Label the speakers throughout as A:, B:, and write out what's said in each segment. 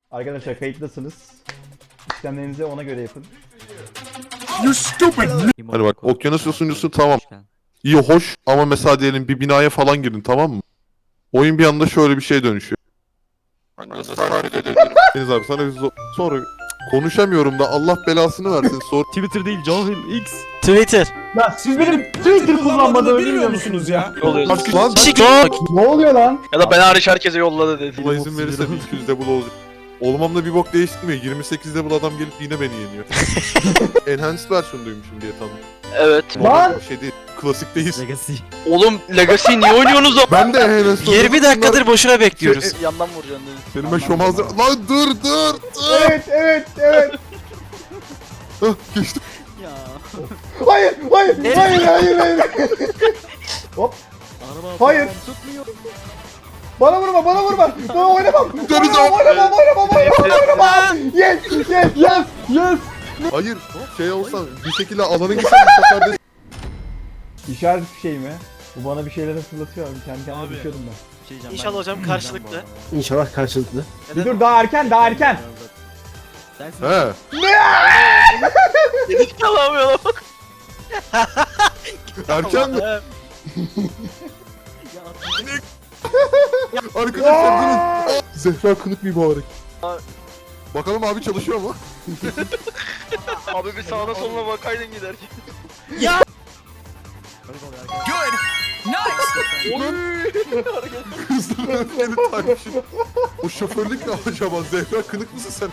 A: Arkadaşlar kayıtlasınız. İşlemlerinizi ona göre yapın.
B: You stupid.
C: Hani bak okyanus yosuncusu tamam. İyi hoş ama mesela diyelim bir binaya falan girin, tamam mı? Oyun bir anda şöyle bir şeye dönüşüyor. Deniz abi sana sonra konuşamıyorum da Allah belasını versin sor.
D: Twitter değil cahil X.
E: Twitter.
A: Lan siz benim Twitter kullanmadığımı bilmiyor musunuz ya?
C: Bak lan
A: Ne oluyor lan?
F: Ya da ben hariç herkese yolladı dedi.
C: Allah izin verirse 200 double olacak. Olmamda bir bok değiştirmiyor. 28 double adam gelip yine beni yeniyor. Enhanced versiyon duymuşum diye tanıdım.
F: Evet.
A: Lan!
C: Bir şey değil. Klasik değil.
D: Legacy.
F: Oğlum Legacy niye oynuyorsunuz o?
C: Ben de enhanced
E: 20 dakikadır boşuna bekliyoruz.
F: Yandan vuracaksın dedi.
C: Benim ben şomazlı... Lan dur!
A: Evet.
C: Hah, geçtim.
D: Ya.
A: Hayır. Hop.
D: Araba
A: Hayır.
D: tutmuyor.
A: Bana vurma. Bana oynamam.
C: Deniz
A: Oynamam. Yes.
C: Hayır, şey olsan bir şekilde alanı gitsen bu sefer de...
A: İşaret bir şey mi? Bu bana bir şeyler fırlatıyor abi. Kendi kendime
D: Abi.
A: düşüyordum ben.
D: Şey diyeceğim,
E: İnşallah
D: ben-
E: hocam karşılıklı.
B: İnşallah karşılıklı.
A: Bir dur daha erken.
D: Sensin.
C: He.
F: Dedik alamıyor lan.
C: Erken mi?
D: Ya,
C: Arkadaşlar durun. Zehra kınık mübarek. Bakalım abi çalışıyor mu?
F: Abi bir sağına soluna bakaydın giderken.
C: Hızlı beni takmışım. O şoförlük ne acaba? Zehra kınık mısın sen?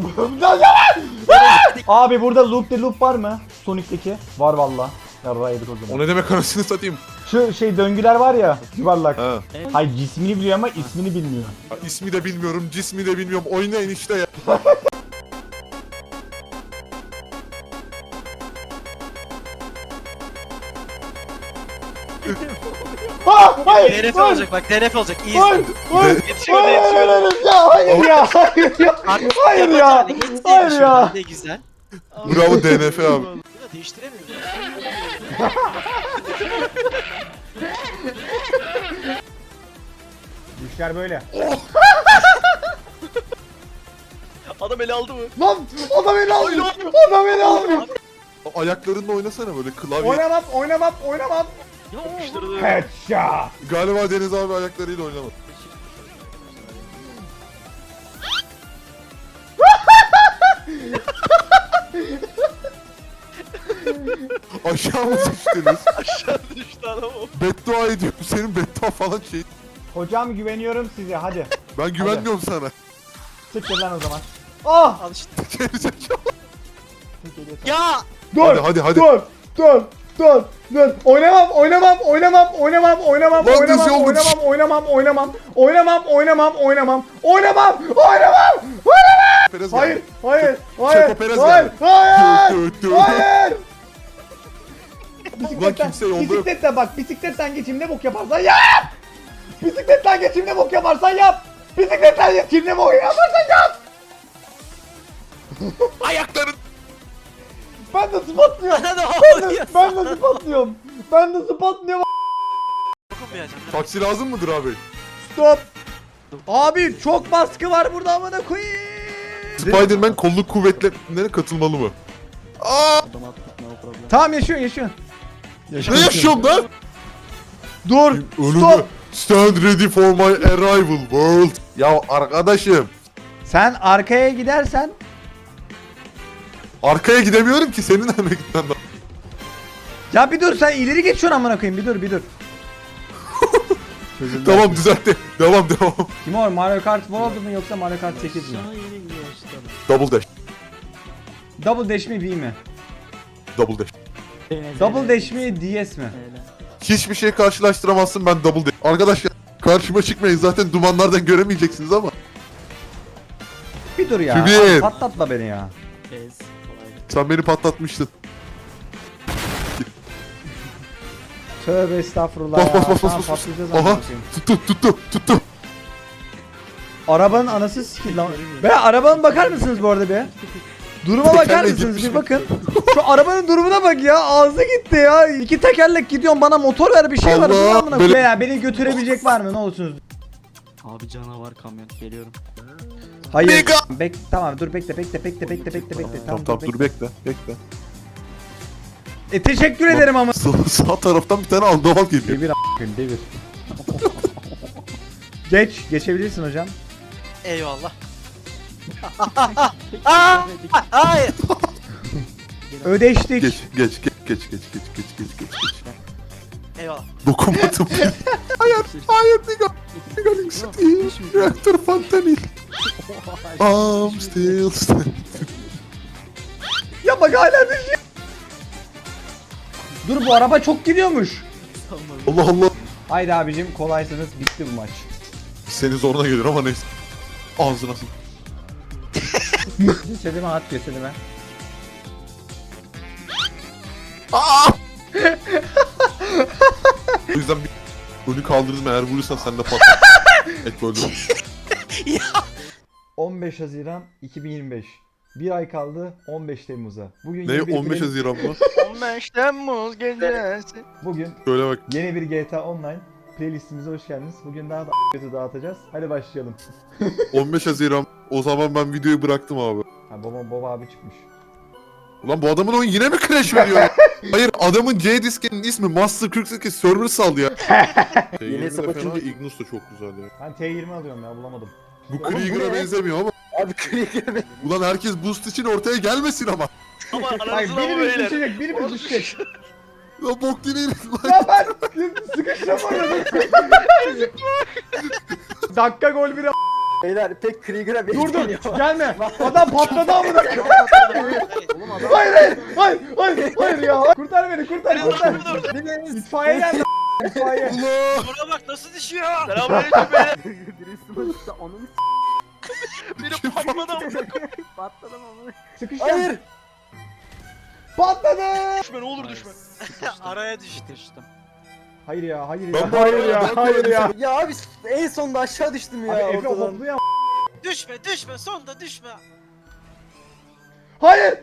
A: Abi burada loop var mı? Sonic'teki. Var valla. Yarrağı yedik o zaman.
C: O ne demek anasını satayım?
A: Şu şey döngüler var ya. Yuvarlak.
C: Ha.
A: Hayır cismini biliyor ama ismini bilmiyor.
C: İsmi de bilmiyorum, cismi de bilmiyorum. Oynayın işte ya.
A: Hayır.
E: DNF olacak bak DNF olacak. İyi
A: Hayır.
E: izle.
F: Yetişiyor.
A: Hayır ya. Hayır ya. Hayır ya.
E: Ne güzel.
C: Bravo DNF abi.
E: Bunu değiştiremiyorum.
A: İşler böyle.
F: Adam eli aldı mı?
A: Lan adam beni aldı. Adam beni aldı.
C: Ayaklarınla oynasana böyle klavye.
A: Oynamam.
F: Yapıştırdı.
A: Headshot.
C: Galiba Deniz abi ayaklarıyla oynamadı. Aşağı mı düştünüz?
F: Aşağı düştü adam o.
C: Beddua ediyorum. Senin beddua falan şey.
A: Hocam güveniyorum size hadi.
C: Ben güvenmiyorum sana.
A: Siktir lan o zaman. Ah!
E: Al işte.
C: Gerizekalı.
E: Ya.
A: Dur.
C: Hadi.
A: Dur. Oynamam.
C: Perez
A: Hayır.
C: geldi. Checo Perez geldi.
A: Hayır.
C: Ulan kimse yolda yok.
A: Bisikletten geçeyim ne bok yaparsan yap. Bisikletten geçeyim ne bok yaparsan yap.
C: Ayakların.
A: Ben de spatlıyorum.
E: Bana ne oluyor?
A: Ben de spatlıyorum.
E: Dokunmayacağım.
C: Taksi lazım mıdır abi?
A: Stop. Abi çok baskı var burada amına koyayım.
C: Spider-Man kolluk kuvvetlerine katılmalı mı? Aa!
D: Adam attık no problem.
A: Tamam yaşıyorsun.
C: Ne yaşıyorum lan?
A: Dur.
C: Ölümü.
A: Stop.
C: Stand ready for my arrival world. Ya arkadaşım.
A: Sen arkaya gidersen
C: Arkaya gidemiyorum ki senin önüne gitmem lazım.
A: ya bir dur sen ileri geçiyorsun amına koyayım bir dur.
C: Tamam düzeltti. Devam.
A: Kim o Mario Kart World mu yoksa Mario Kart 8 mi?
D: Aşağı yeni başladım.
C: Double dash.
A: Double Dash mi V mi?
C: Double dash.
A: Double Dash mi DS mi?
C: Hiçbir şey karşılaştıramazsın ben double dash. Arkadaşlar karşıma çıkmayın zaten dumanlardan göremeyeceksiniz ama.
A: Bir dur ya.
C: Kübir.
A: Abi patlatma beni ya.
D: Ez. Kolaydı.
C: Sen beni patlatmıştın.
A: Tövbe estağfurullah
C: Bas,
A: ya.
C: bas, bas,
A: Tamam,
C: bas, bas.
A: patlayacağız
C: Aha.
A: amına koyayım.
C: Tuttu.
A: Arabanın anası sikil lan. Be arabanın bakar mısınız bu arada be? Duruma bakar
C: Tekerleği
A: mısınız?
C: gitmiş.
A: Bir bakın. Şu arabanın durumuna bak ya. Ağzı gitti ya. İki tekerlek gidiyorum bana motor ver bir şey var.
C: Allah,
A: Bu amına
C: böyle-
A: koyayım. Ya beni götürebilecek var mı? Ne olursunuz?
D: Abi canavar kamyon geliyorum.
A: Hayır. Tamam dur bekle.
C: Tamam dur bekle.
A: Teşekkür ederim ama.
C: Sağ taraftan bir tane andaval geliyor.
A: Devir. Geçebilirsin hocam.
E: Eyvallah. Hayır.
A: Ödeştik.
C: Geç.
E: Eyvallah.
C: Dokunmadım. Hayır Nigaling City. Reaktör Fantanil. I'm still standing.
A: Ya bak hala düşüyor. Dur bu araba çok gidiyormuş.
C: Allah.
A: Haydi abicim kolaysınız bitti bu maç.
C: Senin zoruna gelir ama neyse. Ağzına sık.
A: Cesedime at cesedime.
C: O yüzden bir önü kaldırdım, eğer vurursan sen de patlar. Et böyle.
A: 15 Haziran 2025. Bir ay kaldı 15 Temmuz'a. Bugün
C: Ne
A: yeni bir
C: 15
A: play-
C: Haziran mı?
F: 15 Temmuz gecesi.
A: Bugün
C: Şöyle bak.
A: yeni bir GTA Online playlistimize hoş geldiniz. Bugün daha da kötü dağıtacağız. Hadi başlayalım.
C: 15 Haziran. O zaman ben videoyu bıraktım abi.
A: Ha baba abi çıkmış.
C: Ulan bu adamın oyun yine mi crash veriyor ya? Hayır, adamın C diskinin ismi Master 48 server sal ya.
B: Yeni hesap
C: T20'de fena,
B: açınca-
C: Ignus da çok güzel ya.
A: Ben T20 alıyorum ya bulamadım.
C: Bu
B: Oğlum bu
C: Krieger'a
B: ne?
C: benzemiyor ama.
B: Abi Krieger
C: Ulan herkes boost için ortaya gelmesin ama.
F: Ama
A: Hayır
F: aranızda mı
A: birimiz
F: beyler?
A: düşecek birimiz düşecek.
C: Ya bok yine lan.
A: Ya ben sıkıştım orada. Dakika gol bir
B: Beyler pek Krieger'a
A: Dur
B: benzemiyor.
A: gelme. Adam patladı amına.
E: Oğlum adam.
A: Hayır ya. Kurtar beni kurtar. İtfaiye geldi. İtfaiye.
C: Allah.
E: Buna bak nasıl düşüyor.
F: Selamünaleyküm beyler.
D: Birisi onun
F: Biri patladı amına.
D: patladım ama.
A: Sıkıştım.
B: Hayır.
A: Patladı.
F: Düşme ne olur düşme.
E: Araya düştü.
A: Hayır ya.
C: Ben bu
A: Hayır
C: arada
A: ya.
C: ben
A: Hayır
C: böyle
A: ya.
B: Ya abi en sonunda aşağı düştüm ya
A: Abi Efe
B: ortadan.
A: hoplu ya.
E: Düşme sonda düşme.
A: Hayır.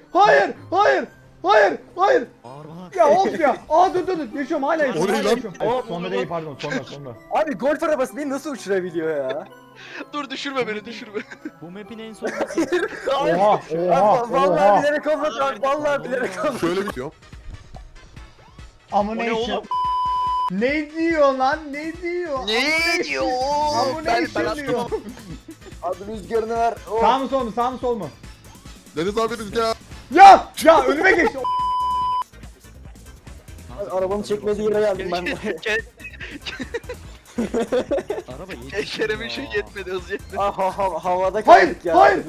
D: Bağırma.
A: Ya of ya. Dur. Yaşıyorum hala yaşıyorum.
C: O ne
A: hala
C: lan?
A: yaşıyorum.
F: Aa,
A: Sonda değil pardon sonda.
B: Abi golf arabası beni nasıl uçurabiliyor ya?
F: Dur düşürme beni düşürme.
D: Bu map'in en son
B: Hayır.
A: Oha.
B: Abi, vallahi bilerek olmadı abi. Vallahi bilerek olmadı.
C: Şöyle bitiyor.
A: Ama
F: O ne
A: ne
F: oğlum?
A: Ne diyor lan? Ne diyor?
F: Ne diyor?
A: Ama ne diyor?
B: Abi rüzgarını ver. Oh.
A: Sağ mı sol mu? Sağ mı sol mu?
C: Deniz abi rüzgar.
A: Ya önüme geçti.
B: Abi, arabamı çekmediği yere geldim ben.
D: araba yetişmiyor.
F: Kerem'in şey yetmedi hız yetmedi.
B: Havada
A: Hayır
B: kaldık ya.
A: hayır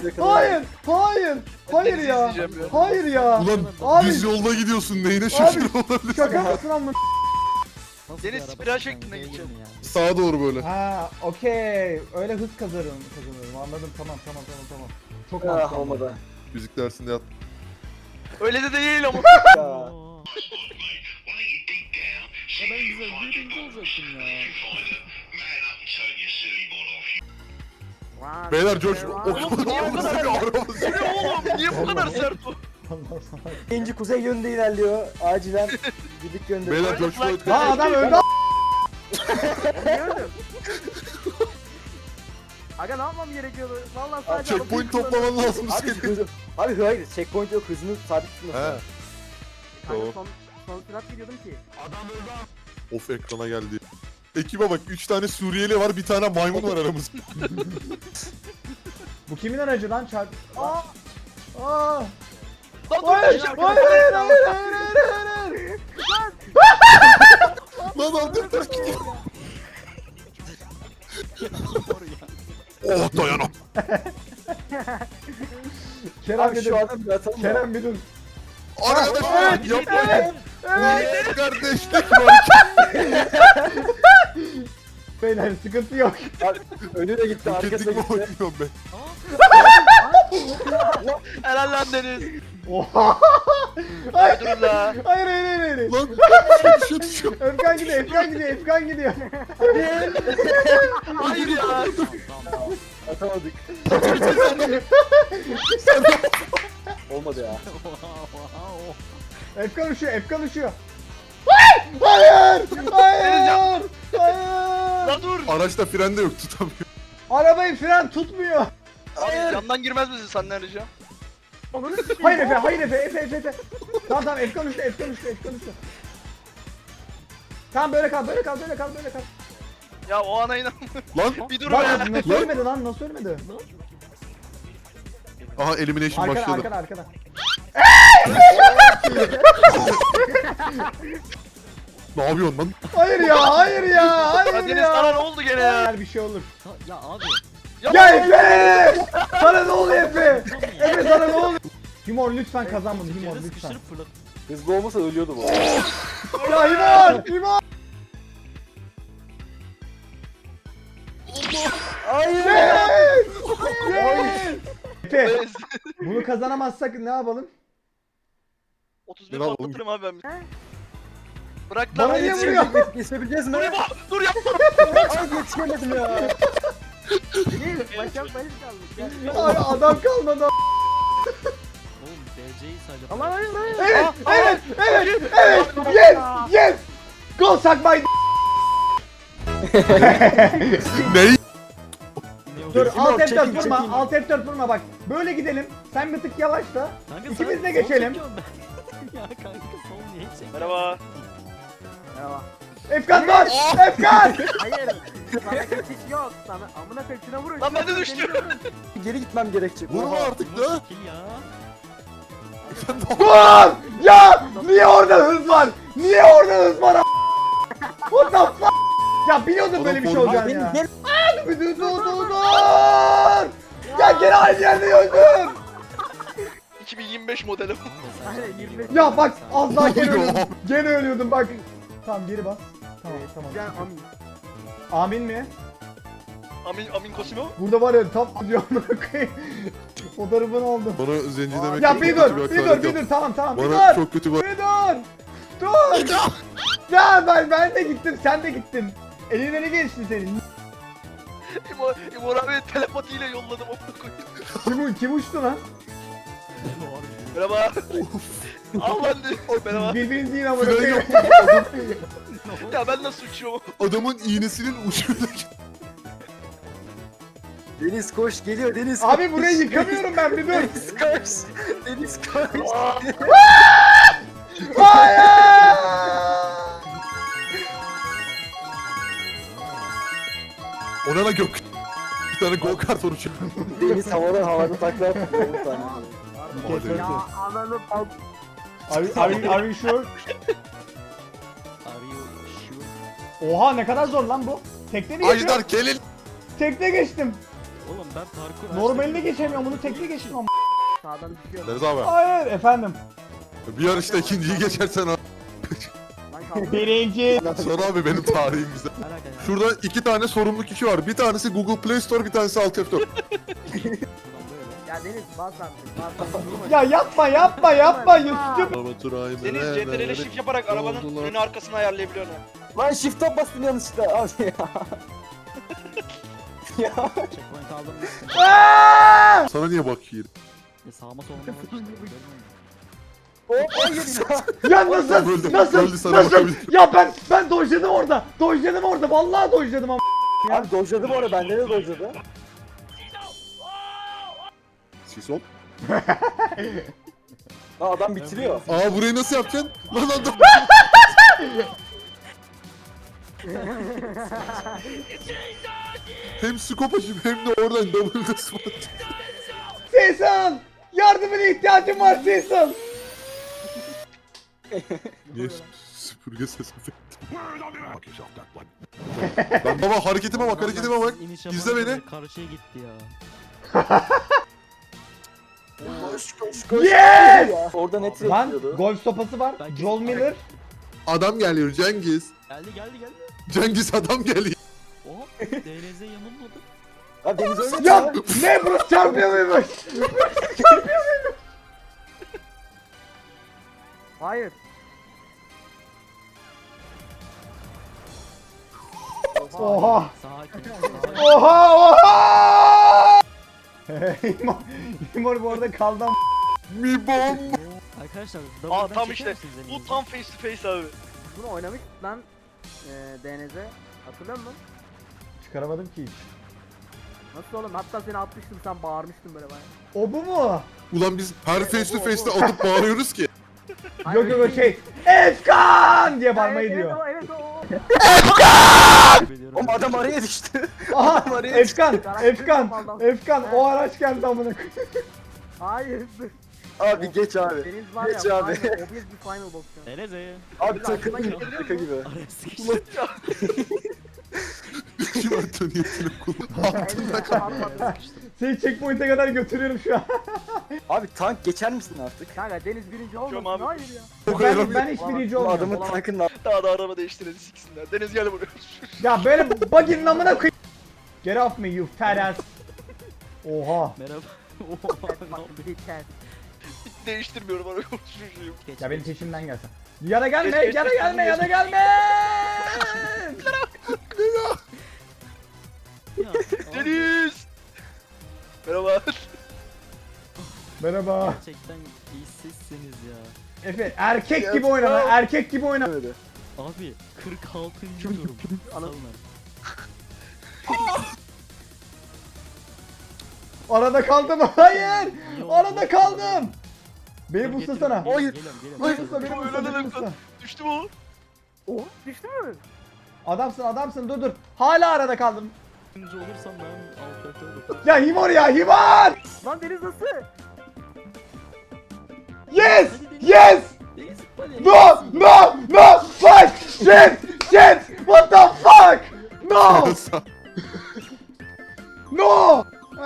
F: Deniz
A: ya.
F: izleyeceğim ya.
A: Hayır ya.
C: Ulan
A: Abi-
C: düz yolda gidiyorsun, neyine şükür olabilir.
A: Şaka mısın amma?
D: Nasıl
F: Deniz
D: bir araba
F: spiral
D: sen
F: şeklinde
D: neye
F: gideceğim.
D: girdin ya?
C: Sağa doğru böyle.
A: Ha okey. Öyle hız kazanıyorum. Anladım tamam. Çok
B: Ah
A: mantıklı.
B: olmadı.
C: Müzik dersinde yat.
F: Öyle de değil ama.
B: Ya.
D: Oo. Ya ben güzel birinci olacaktım ya.
C: Beyler George o
F: Oğlum niye bu kadar
C: bir araba
F: Bu ne oğlum? Niye bu kadar sert bu?
B: İkinci kuzey yönünde ilerliyor. Acilen gidik yönde.
C: Beyler George Floyd.
A: Ha adam öldü.
D: Aga ne yapmam gerekiyordu? Vallahi sadece
C: Checkpoint toplaman lazım
B: Abi
C: senin.
B: hızı. Abi hayır checkpoint yok hızını sabit tutmasın.
C: He.
D: Kanka
C: Tamam.
D: son sürat gidiyordum ki.
C: Of ekrana geldi. Ekibe bak 3 tane Suriyeli var, bir tane maymun var aramızda.
A: Bu kimin aracı lan çarp? Aa.
F: Lan dur,
A: Hayır.
F: dur,
C: Lan aldım ters gidiyor. Oh dayanam.
A: Kerem
B: Abi
A: bir
B: şu
A: dur.
B: adam bir atalım da.
A: Kerem bir dur.
C: Arkadaşlar
A: Evet,
C: yapmayın. Kardeşlik var.
A: Beyler sıkıntı yok.
B: Abi, önü de gitti arkası da
C: Roketlik mi
B: gitti.
C: oynuyorum ben?
F: Helal lan Deniz.
A: Oha.
F: Durun la.
A: Hayır.
C: Lan şu düşüyor.
A: Efkan gidiyor.
F: Hayır ya.
B: Atamadık. Olmadı ya.
A: Efkan uçuyor. Hayır.
F: La dur.
C: Araçta fren de yok, tutamıyor.
A: Arabayı fren tutmuyor.
F: Abi yandan girmez misin sen ne arayacağım?
D: Onları sikeyim.
A: Hayır Efe, hayır Efe. Tamam tamam Efkan üstte. Tamam böyle kal.
F: Ya o ana inan.
C: Lan.
F: Bir dur
A: Lan
F: be.
A: nasıl ölmedi lan? Nasıl ölmedi?
C: Aha elimination başladı.
A: Arkada.
C: Ne yapıyorsun lan?
A: Hayır ya.
F: Ya Deniz sana ne oldu gene ya?
A: Her bir şey olur.
G: Ya abi.
A: Ya Efe! Sana ne oluyor Efe? Efe sana ne oluyor? Himor lütfen kazan bunu Himor lütfen.
G: Sıkıştırıp fırlat.
B: Hızlı olmasa ölüyordu bu.
A: Ya Himor!
B: Hayır.
A: Yes! Efe bunu kazanamazsak ne yapalım?
F: 31
C: Ne lan oğlum?
F: patlatırım abi ben. Bırak lan
A: Bana
F: beni.
A: niye vuruyor?
B: Geçebileceğiz mi?
F: Dur yapma.
B: Ay yetişemedim ya.
D: Değil. Başak benim kaldı. Gel.
A: Ay adam kalmadı.
G: Oğlum DC'yi sadece.
D: Allah hayır.
A: Evet. Yes. Go suck my
C: Ney?
A: Dur
B: Himor,
A: alt F4
B: çekil,
A: vurma.
B: çekil.
A: Alt F4 vurma bak. Böyle gidelim. Sen bir tık yavaşla.
G: Kanka
A: İkimiz
G: sana
A: de
G: sol
A: geçelim.
G: çekiyorum ben. Ya kanka sol niye çekiyorsun?
F: Merhaba.
D: Merhaba.
A: Efkan var. Efkan.
D: Hayır. Sana kaçış yok. Sana amına kaçına vurun.
F: Lan ben de düştüm.
B: Geri gitmem gerekecek.
C: Vurma
B: Oha.
C: artık da.
G: Çekil ya.
A: Dur. Ya niye orada hız var? Niye orada hız var? What the fuck? Ya biliyordum böyle bir şey olacağını ya.
B: Gel.
A: Dur. Ya gene aynı yerde öldüm.
F: 2025 modeli.
D: Aynen 25.
A: Ya bak az daha gene
C: Ne oluyor?
A: ölüyordum. Gene ölüyordum bak. Tamam geri bas. Tamam.
D: Gel amin.
A: Amin mi?
F: Amin Cosimo.
A: Burada var ya tam diyor amına koyayım. Fotoğrafını aldım.
C: Bana zenci demek
A: Ya
C: çok
A: bir
C: kötü
A: dur,
C: hakaret
A: bir
C: yaptı.
A: dur tamam bir
C: Bana
A: dur.
C: çok kötü bir...
A: Bir dur. Ya ben de gittim, sen de gittin. Elinden geçti senin.
F: İmor abi telepatiyle yolladım.
A: Kim uçtu lan?
F: Merhaba. Al lan de. Merhaba.
A: Birbirinizi yine amına
C: Fren
A: koyayım.
C: yok.
F: Ya ben nasıl uçuyorum?
C: Adamın iğnesinin ucuyla
B: Deniz koş geliyor Deniz.
A: Abi
B: koş.
A: burayı yıkamıyorum ben bir dur.
B: Deniz koş. Deniz koş.
A: Hayır!
C: Ona da gök. Bir tane go kart oruç.
B: Deniz havada takla attı. Bir tane.
C: Hadi.
D: Ya ananı bak.
A: Are you sure?
G: Are you sure?
A: Oha ne kadar zor lan bu. Tekte mi geçiyorum?
C: Ajdar gelin.
A: Tekte geçtim.
G: Oğlum ben parkur
A: Normalde geçemiyorum bunu tekte geçtim ama.
D: Sağdan düşüyor.
C: Deniz abi.
A: Hayır efendim.
C: Bir yarışta ikinciyi geçersen abi.
D: Lan kaldı.
A: Birinci.
C: Sonra abi benim tarihim güzel.
G: Merak ya.
C: Şurada iki tane sorumlu kişi var. Bir tanesi Google Play Store, bir tanesi Alt F4.
G: Şuradan böyle.
D: Ya Deniz bas artık. Bas artık.
A: Ya yapma Yusuf'cum.
F: Deniz CTRL'e shift yaparak arabanın önünü arkasını ayarlayabiliyorsun.
B: Lan shift'e bastım yanlışlıkla. Abi ya. Ya.
G: Checkpoint aldım.
A: Aa!
C: Sana niye bakayım?
G: Ya sağıma soluma bak işte. Görmüyor musun?
B: O hayır ya.
A: Ya nasıl?
C: Öldü sana
A: Nasıl?
C: bakabilir.
A: Ya ben dojladım orada. Dojladım orada. Vallahi dojladım ama.
B: Abi dojladı bu arada. Bende de dojladı.
C: Sis ol.
B: Aa, adam bitiriyor.
C: Aa burayı nasıl yapacaksın? Lan adam. Hem scope açıp hem de oradan double spot.
A: Cecil! Yardımına ihtiyacım var Cecil.
C: Niye süpürge ses efekti? Lan baba hareketime bak
G: İniş
C: İzle
G: yaparken
C: beni.
G: Karşıya gitti ya.
B: Koş.
A: Yes!
B: Ya. Orada net
A: Lan
B: yapıyordu.
A: golf sopası var. Joel Miller.
C: Adam geliyor Cengiz.
G: Geldi.
C: Cengiz adam geliyor.
G: Oha. DLZ yanılmadı.
B: Abi Deniz öyle
A: Ya ne Bruce çarpıyor muymuş?
D: Hayır.
A: Oha.
G: Sakin.
A: Oha. İmor bu arada kaldı ama.
C: Mi bom.
G: Arkadaşlar
F: Aa
G: double'dan
F: tam
G: çeker
F: işte.
G: misiniz elinizi?
F: Bu tam face to face abi.
D: Bunu oynamış lan. DNZ. Hatırlıyor musun?
A: Çıkaramadım ki hiç.
D: Nasıl oğlum? Hatta seni atmıştım sen bağırmıştın böyle bayağı.
A: O bu mu?
C: Ulan biz her face to face'te atıp bağırıyoruz ki.
A: Yok yok o şey. Efkan diye bağırmayı
D: Evet,
A: diyor.
D: Evet o.
G: Biliyorum.
B: Oğlum adam araya düştü.
A: Aha
B: Araya
A: Efkan, Efkan, Efkan o araç geldi amına koyayım.
D: Hayır.
B: Abi geç abi.
D: Deniz var ya.
B: Geç abi.
D: Final, obvious bir final box ya.
G: Deneze.
B: Abi takım
D: Aklına gelebiliyor
B: şaka
D: mu?
B: gibi.
G: Araya sıkıştı.
C: Kim attı niyetini kullan.
A: Seni checkpoint'e kadar götürüyorum şu an.
B: Abi tank geçer misin artık?
D: Kanka Deniz birinci olmasın.
F: abi.
D: Hayır ya.
A: Ben hiç birinci
B: Bu
A: olmuyorum.
B: adamın tankın
F: Daha da araba değiştirelim siksinler. Deniz gel buraya.
A: Ya böyle buggy'nin amına koyayım. Get off me you fat ass. Oha.
G: Merhaba.
D: Bak bir ters.
F: Değiştirmiyorum araba çocuğum.
A: Ya benim peşimden gelsen. Ya da gelme, ya da gelme, ya da gelme.
F: Deniz! Merhaba.
A: Merhaba.
G: Gerçekten iyisizsiniz ya.
A: Efe erkek gibi oyna lan, erkek gibi oyna.
G: Abi 46. durum. Salın.
A: Arada kaldım. Hayır. Arada kaldım. Beni buslasana.
B: Hayır.
A: Beni busla, beni busla, beni busla.
F: Düştü mü?
D: Oh düştü mü?
A: Adamsın, adamsın. Dur dur. Hala arada kaldım.
G: Birinci olursam ben alfabeto olurum.
A: Ya Himor ya, Himor!
D: Lan Deniz nasıl?
A: Yes! Yes!
G: Deniz hadi.
A: No! No! No! Fuck! Shit! Shit! What the fuck? No! No!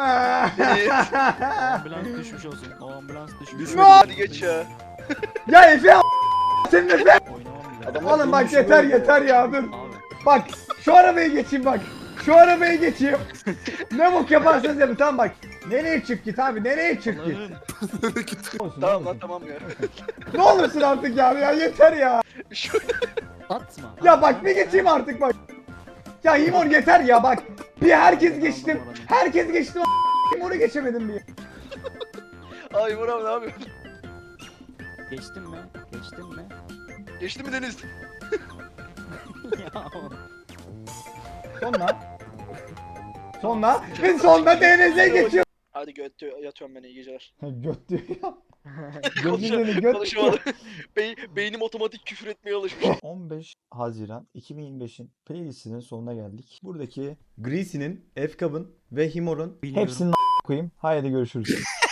G: Ambulans düşmüş olsun. O ambulans düşmüş.
A: No!
F: Hadi geç ya.
A: Ya Efe senin Efe!
G: Oynamam bile.
B: Adamlar
A: Oğlum bak
B: ölmüş
A: yeter
B: oluyor.
A: yeter ya dur.
G: Abi.
A: Bak şu arabaya geçeyim bak. Şu arabaya geçeyim. Ne bok yaparsanız yapın tamam bak. Nereye çık git abi nereye çık git.
G: Allah'ım.
A: Olsun,
F: Tamam
A: olsun.
F: lan tamam ya.
A: Ne olursun artık ya yeter ya.
F: Şöyle.
G: Atma.
A: Ya bak bir geçeyim artık bak. Ya Himor yeter ya bak. Bir herkes geçtim. Herkes geçtim. Himor'u geçemedim bir.
F: Ay Umur abi ne yapıyorsun?
G: Geçtin mi? Geçtin mi?
F: Geçti mi Deniz?
G: Ya.
A: Sonra. Sonra. Ve sonra DNZ'ye geçiyor.
F: Hadi götü yatıyorum ben iyi geceler.
A: Göt diyor ya. Gözünü göt.
F: Konuşamadım. Beynim otomatik küfür etmeye alışmış.
A: 15 Haziran 2025'in playlistinin sonuna geldik. Buradaki Greasy'nin, F-Cub'ın ve Himor'un
G: Bilmiyorum.
A: hepsini koyayım. Haydi görüşürüz.